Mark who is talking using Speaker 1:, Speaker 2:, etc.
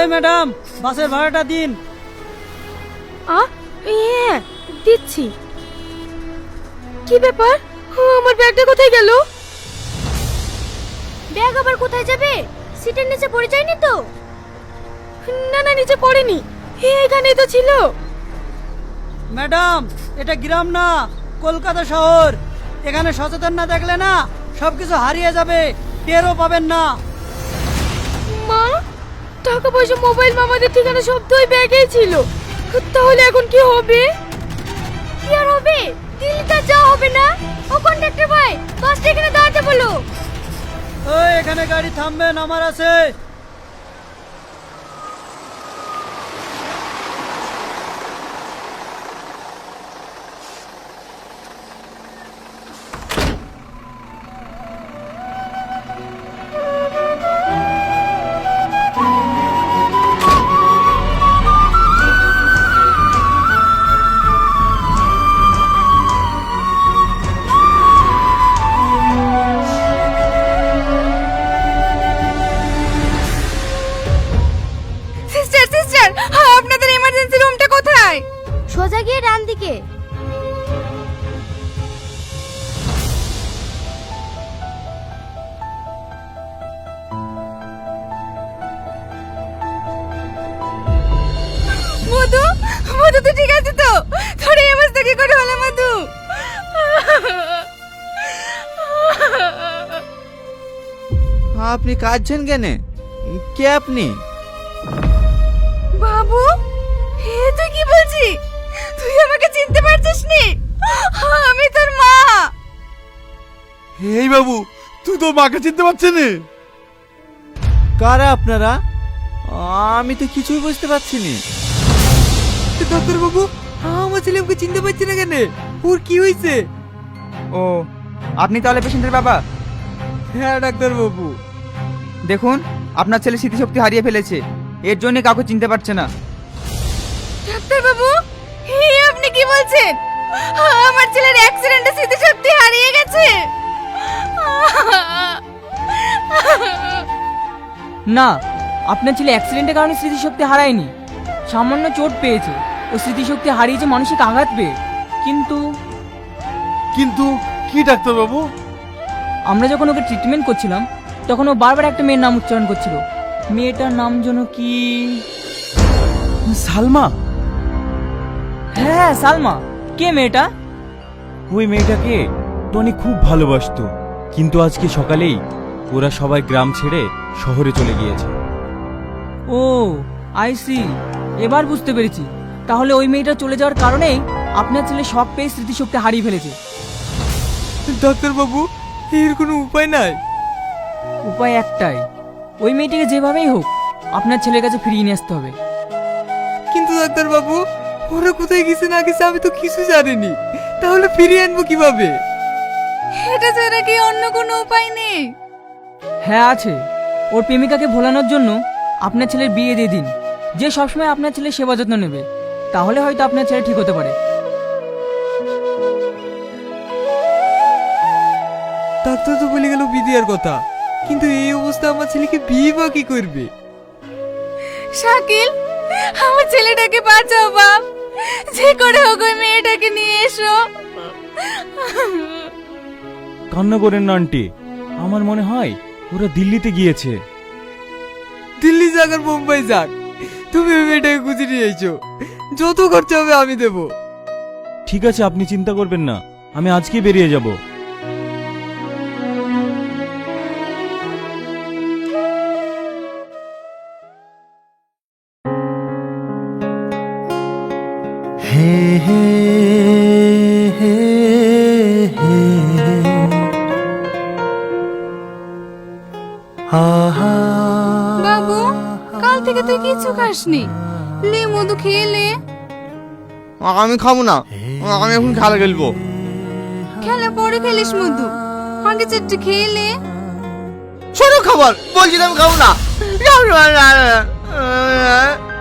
Speaker 1: এই ম্যাডাম, বাসের ভাড়াটা দিন।
Speaker 2: হ্যাঁ দিচ্ছি। কি ব্যাপার, আমার ব্যাগটা কোথায় গেল? ব্যাগ আবার কোথায় যাবে? সিটের নিচে পড়ে যায়নি তো? না না, নিচে পড়েনি, এখানেই তো ছিল।
Speaker 1: ম্যাডাম, এটা গ্রাম না, কলকাতা শহর। এখানে সচেতন না দেখলে না সবকিছু হারিয়ে যাবে, টেরও পাবেন না।
Speaker 2: মা, টাকা পয়সা, মোবাইল, মামাদের ঠিকানা সব তো ওই ব্যাগেই ছিল। তাহলে এখন কি হবে? কি আর হবে, দিল্লিতে যাওয়া হবে না। ও কন্ডাক্টর ভাই, বাসটা এখানে দাঁড়াতে বলো।
Speaker 1: ওই এখানে গাড়ি থামবে, নামার আছে।
Speaker 2: সিস্টার সিস্টার, আপনাদের এমার্জেন্সি রুমটা কোথায়? সোজা গিয়ে ডান দিকে। মধু, মধু তো ঠিক আছে তো? তোর এই অবস্থা কি করে হলো মধু?
Speaker 3: আপনি কাঁদছেন কেন? কে আপনি?
Speaker 2: বাবু, হে তুই কি বলছিস? তুই আমাকে চিনতে পারছিস নি? আমি তোর মা।
Speaker 4: এই বাবু, তুই তো মাকে চিনতে পারছিস না?
Speaker 3: কারা আপনারা? আমি তো কিছুই বুঝতে পারছি না।
Speaker 5: ডাক্তার বাবু, আমার ছেলে আমাকে চিনতে পারছে না কেন? ওর কি হয়েছে?
Speaker 6: ও, আপনি তাহলে পেশেন্টের বাবা?
Speaker 5: হ্যাঁ ডাক্তার বাবু।
Speaker 6: দেখুন, আপনার ছেলে স্মৃতিশক্তি হারিয়ে ফেলেছে, এর জন্য কাউকে চিনতে পারছে না।
Speaker 2: ডাক্তার বাবু, হে আপনি কি বলছেন? আমার ছেলের অ্যাক্সিডেন্টে স্মৃতিশক্তি হারিয়ে গেছে।
Speaker 7: না, আপনার ছেলে অ্যাক্সিডেন্টের কারণে স্মৃতিশক্তি হারায়নি, সামান্য চোট পেয়েছে। ও স্মৃতিশক্তি হারিয়েছে মানসিক আঘাত পেয়ে। কিন্তু
Speaker 4: কিন্তু কি ডাক্তার বাবু?
Speaker 7: আমরা যখন ওকে ট্রিটমেন্ট করছিলাম তখন ও বারবার একটা মেয়ের নাম উচ্চারণ করছিল। মেয়েটার নাম যেন কি?
Speaker 4: সালমা।
Speaker 7: হ্যাঁ, সালমা। কে মেয়েটা?
Speaker 8: ওই মেয়েটাকে টনি খুব ভালোবাসতো, কিন্তু আজকে সকালেই ওরা সবাই গ্রাম ছেড়ে শহরে চলে গিয়েছে।
Speaker 7: ও আইসি, এবার বুঝতে পেরেছি। তাহলে ওই মেয়েটা চলে যাওয়ার কারণেই আপনার ছেলে শক পেয়ে স্মৃতিশক্তি হারিয়ে ফেলেছে।
Speaker 5: ডাক্তার বাবু, এর কোনো উপায় নাই?
Speaker 7: উপায় একটাই, ওই মেয়েটিকে যেভাবেই হোক আপনার ছেলের কাছে ফিরিয়ে নিয়ে আসতে হবে।
Speaker 5: কিন্তু ডাক্তার বাবু, ওরা কোথায় গেছে না গেছে আমি তো কিছু জানিনি। তাহলে ফিরিয়ে আনবো কিভাবে?
Speaker 2: এটা ছাড়া কি অন্য কোনো উপায় নেই?
Speaker 7: হ্যাঁ আছে। ওর প্রেমিকাকে ভোলানোর জন্য আপনার ছেলের বিয়ে দিয়ে দিন, যে সবসময় আপনার ছেলের সেবা যত্ন নেবে। তাহলে হয়তো আপনার ছেলে ঠিক হতে পারে।
Speaker 5: ডাক্তার তো বলে গেল বিয়ে দেওয়ার কথা, কিন্তু এই অবস্থা আমার ছেলেকে বিয়ে বা কি করবে?
Speaker 2: শাকিল, আমার ছেলেটাকে বাঁচাও বাপ, যে করে হোক ওই মেয়েটাকে নিয়ে এসো।
Speaker 8: কান্না করেন না আন্টি, আমার মনে হয় ওরা দিল্লিতে গিয়েছে।
Speaker 5: দিল্লি যাক আর মুম্বাই যাক, তুমি ওই মেয়েটাকে খুঁজে নিয়ে এসো। যত খরচা হবে আমি দেবো।
Speaker 8: ঠিক আছে, আপনি চিন্তা করবেন না, আমি আজকেই বেরিয়ে যাব।
Speaker 9: হে হে হে হে আহা।
Speaker 2: বাবু, কাল থেকে তুই কিছু খাসনি, লে মধু খেয়ে লে।
Speaker 3: আমি খাবো না, আমি এখন খেলা খেলবো।
Speaker 2: খেলা পরে খেলিস মধু, আগে চারটে খেয়ে লে।
Speaker 3: ছোট খাবার বলছি, আমি খাবো না।